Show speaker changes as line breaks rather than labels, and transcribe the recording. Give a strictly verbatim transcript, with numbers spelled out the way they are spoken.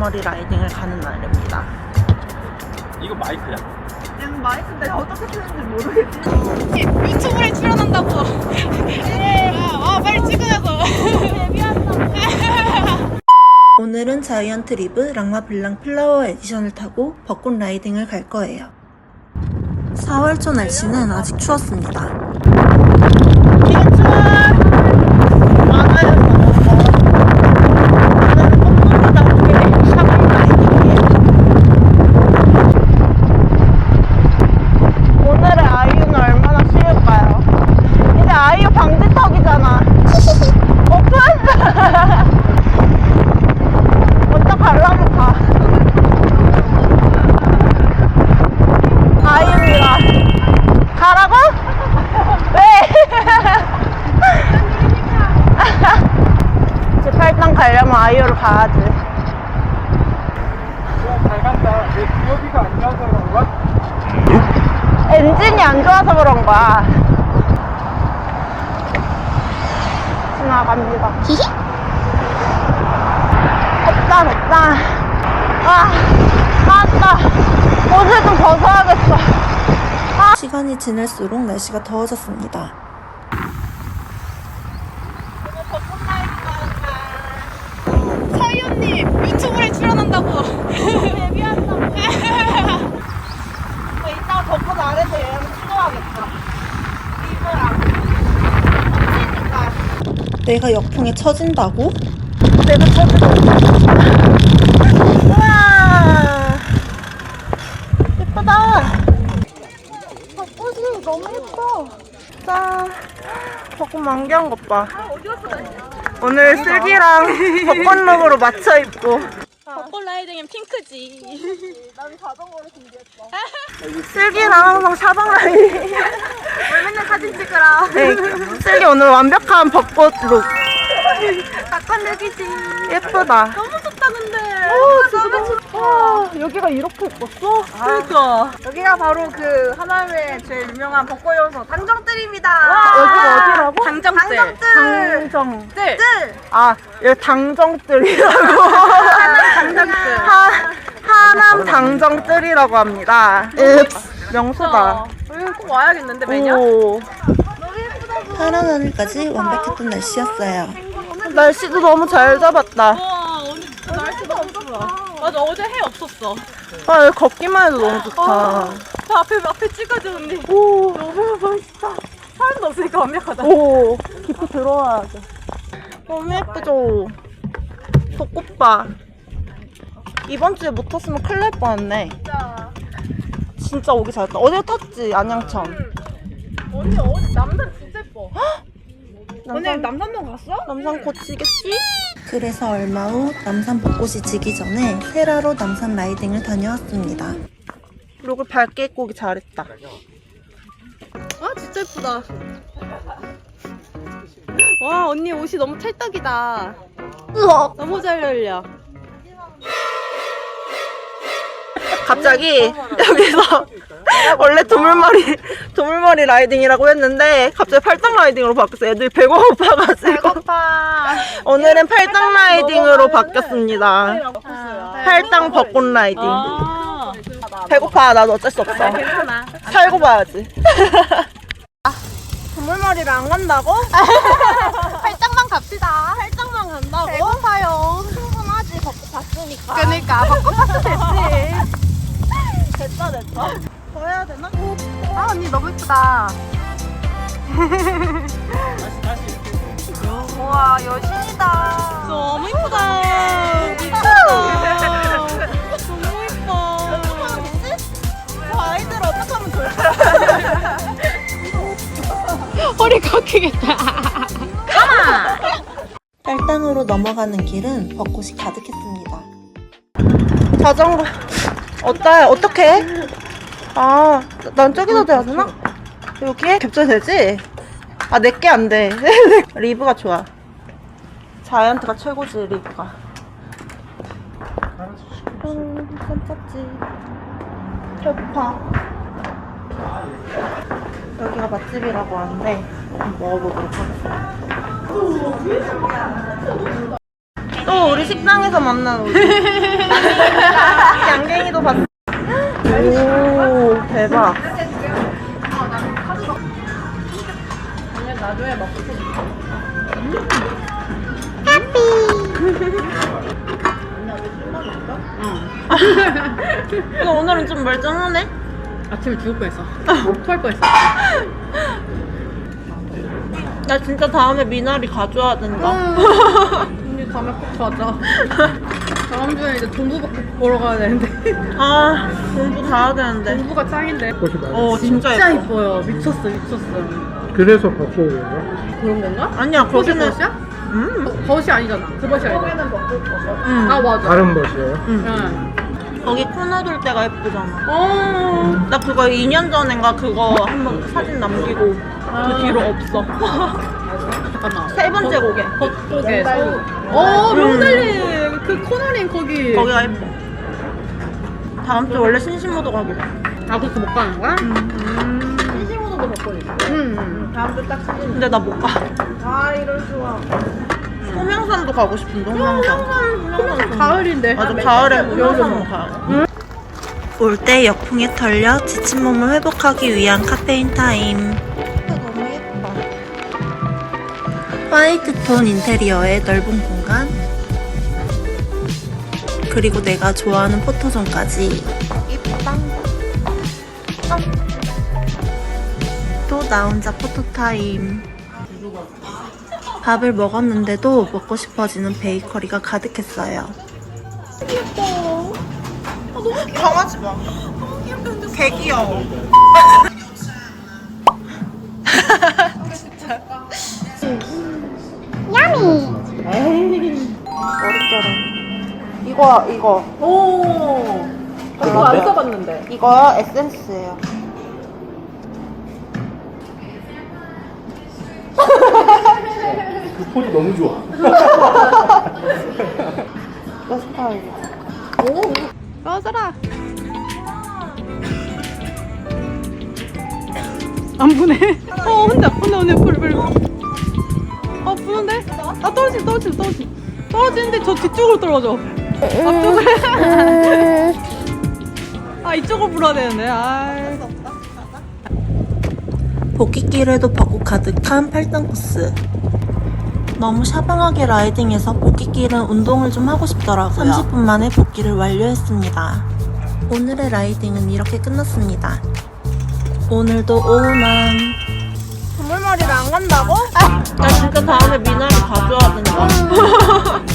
동물머리 라이딩을 가는 날입니다.
이거 마이크야.
얘는 마이크인데 어떻게 쓰는지 모르겠지?
유튜브에 출연한다고. 아, 빨리 찍으라고.
오늘은 자이언트 리브 랑마 블랑 플라워 에디션을 타고 벚꽃 라이딩을 갈 거예요. 사월 초 날씨는 아직 추웠습니다. 오늘의 아이유는 얼마나 쉬울까요? 이제 아이유 방지턱이잖아. 오픈? 먼저 가려면 가. 아이유입니다. 가라고? 왜? 이제 팔당 가려면 아이유를 가야지.
잘 간다. 내 기어비가 안 좋아서 그런가?
엔진이 안 좋아서 그런 거야. 지나갑니다. 히히? 덥다, 덥다. 아, 나왔다. 옷을 좀 벗어야겠어. 아. 시간이 지날수록 날씨가 더워졌습니다.
서희언님 유튜브에 출연한다고.
데뷔한다고. 이따가 벚꽃 아래서 얘랑 찍어야겠다. 리브랑. 내가 역풍에 처진다고? 내가 처지고. 우와. 예쁘다. 벚꽃이 너무 예뻐. 짠. 벚꽃 만개한 것 봐. 오늘 슬기랑 벚꽃룩으로 맞춰 입고.
벚꽃 라이딩은 핑크지.
난 자전거를 준비했어. 슬기랑 항상 샤방 라이딩.
왜 맨날 사진 찍으라.
네, 슬기 오늘 완벽한 벚꽃룩.
닭건룩이지.
예쁘다.
너무 좋다 근데.
오, 너무 좋다. 와, 여기가 이렇게 예뻤어?
그러니까.
여기가 바로 그 하남의 제일 유명한 벚꽃 연소 당정뜰입니다.
여기가 어디라고?
당정뜰.
당정뜰.
당정뜰.
뜰.
아, 여기 당정뜰이라고.
하남 당정뜰.
하, 하남 당정뜰이라고 합니다. 읍스, 명소다.
여기 꼭 와야겠는데 매년.
오. 파란 하늘까지 완벽했던 날씨였어요. 날씨도 너무 잘 잡았다.
와 오늘 진짜 날씨 너무 좋아. 맞아 어제 해 없었어.
아, 여기 걷기만 해도 너무 좋다.
저 앞에 앞에 찍어줘 언니.
오,
너무 멋있다. 사람도 없으니까 완벽하다.
오, 깊이 들어와야 돼. 너무 예쁘죠? 벚꽃봐. 이번 주에 못 탔으면 큰일 날 뻔했네.
진짜.
진짜 오기 잘했다. 어제 탔지, 안양천.
언니 어제 남산 진짜 예뻐.
남산,
남산동 갔어?
남산 곧 지겠지? 그래서 얼마 후 남산 벚꽃이 지기 전에 세라로 남산 라이딩을 다녀왔습니다. 룩을 밝게 입고 오기 잘했다.
아 진짜 예쁘다. 와 언니 옷이 너무 찰떡이다.
으악!
너무 잘 어울려.
갑자기 여기서 원래 도물머리 도물머리 라이딩이라고 했는데 갑자기 팔당 라이딩으로 바뀌었어요. 애들이 배고파가지고.
배고파.
오늘은 팔당 라이딩으로 바뀌었습니다. 팔당 벚꽃 라이딩.
아,
배고파. 나도 어쩔 수 없어.
괜찮아.
살고 봐야지. 도물머리를 안 간다고?
팔짱만 갑시다.
팔당만 간다고?
배고파요.
충분하지. 벚꽃 봤으니까.
그러니까 벚꽃 봤으면 됐지.
됐다 됐다. 더 해야 되나?
아 언니 너무 예쁘다.
다시 다시.
우와 여신이다. 너무 예쁘다. 미쳤다. 너무 예뻐.
저 아이들 어떻게 하면 좋을까?
허리 꺾이겠다.
팔당으로 넘어가는 길은 벚꽃이 가득했습니다. 자전거 어때? 어떡해? 아, 난 저기다 대야 되나? 여기에 겹쳐야 되지? 아, 내게 안 돼. 리브가 좋아. 자이언트가 최고지, 리브가. 음, 깜짝지. 배고파. 여기가 맛집이라고 하는데 한번 먹어보도록 하겠습니다. 또 이거 우리 식당에서 만난 옷. 양갱이도 봤어. 오, 대박.
나중에 먹고
근데 오늘은 좀 멀쩡하네?
아침에 죽을 뻔했어. 토할 뻔했어.
나 진짜 다음에 미나리 가져와야 된다.
언니 다음에 꼭 가자. 다음 주에 이제 동부밖에 보러 가야 되는데.
아, 공부 다 해야 되는데.
동부가 짱인데.
꽃이 많아.
어, 진짜,
진짜
예뻐.
이뻐요. 미쳤어, 미쳤어.
그래서 바꿔 온 거야?
그런 건가?
아니야,
꽃이
거기는.
벗이야?
음,
벗이 아니잖아. 그 벗이 아니잖아.
음.
아 맞아.
다른 것이에요?
응.
거기 코너 돌 때가 예쁘잖아.
어.
나 그거 이 년 전인가 그거 한번 사진 남기고 그 뒤로 없어.
잠깐만.
세 번째 곡에.
겉쪽에 서울. 어 명달리 그 코너링 거기.
거기가 예뻐. 다음 주 원래 신신모도 가기로.
아 그렇게 못 가는 거야?
음.
신시모도도 벚꽃 있어. 응.
다음 주 딱 시즌.
근데 나 못 가.
아 이럴 수가.
소명산도 가고 싶은데, 소명산.
그러면 가을인데.
맞아, 가을에 소명산 가야 올 때 역풍에 털려 지친 몸을 회복하기 위한 카페인 타임. 너무 예뻐. 화이트 톤 인테리어의 넓은 공간. 그리고 내가 좋아하는 포토존까지. 이쁘다. 또 나 혼자 포토타임. 밥을 먹었는데도 먹고 싶어지는 베이커리가 가득했어요. 귀엽다. 아, 너무 귀여워. 강아지 봐. 너무 귀엽다. 개 귀여워. 이거 이거
오. 이거 안 써봤는데.
이거 에센스예요.
그 포즈 너무 좋아.
내 스타일이야.
꺼져라. 안 부네. 어 혼자 혼자 혼자 불 불. 어 부는데? 아 떨어지 떨어지 떨어지. 떨어지는데 저 뒤쪽으로 떨어져. 앞쪽으로. 아 이쪽으로 불어야 되는데. 아.
복귀길에도 벚꽃 가득한 팔당 코스. 너무 샤방하게 라이딩해서 복귀길은 운동을 좀 하고 싶더라고요. 삼십 분 만에 복귀를 완료했습니다. 오늘의 라이딩은 이렇게 끝났습니다. 오늘도 오만.
동물머리를 안 간다고?
나 진짜 다음에 미나리 가져와야 된다.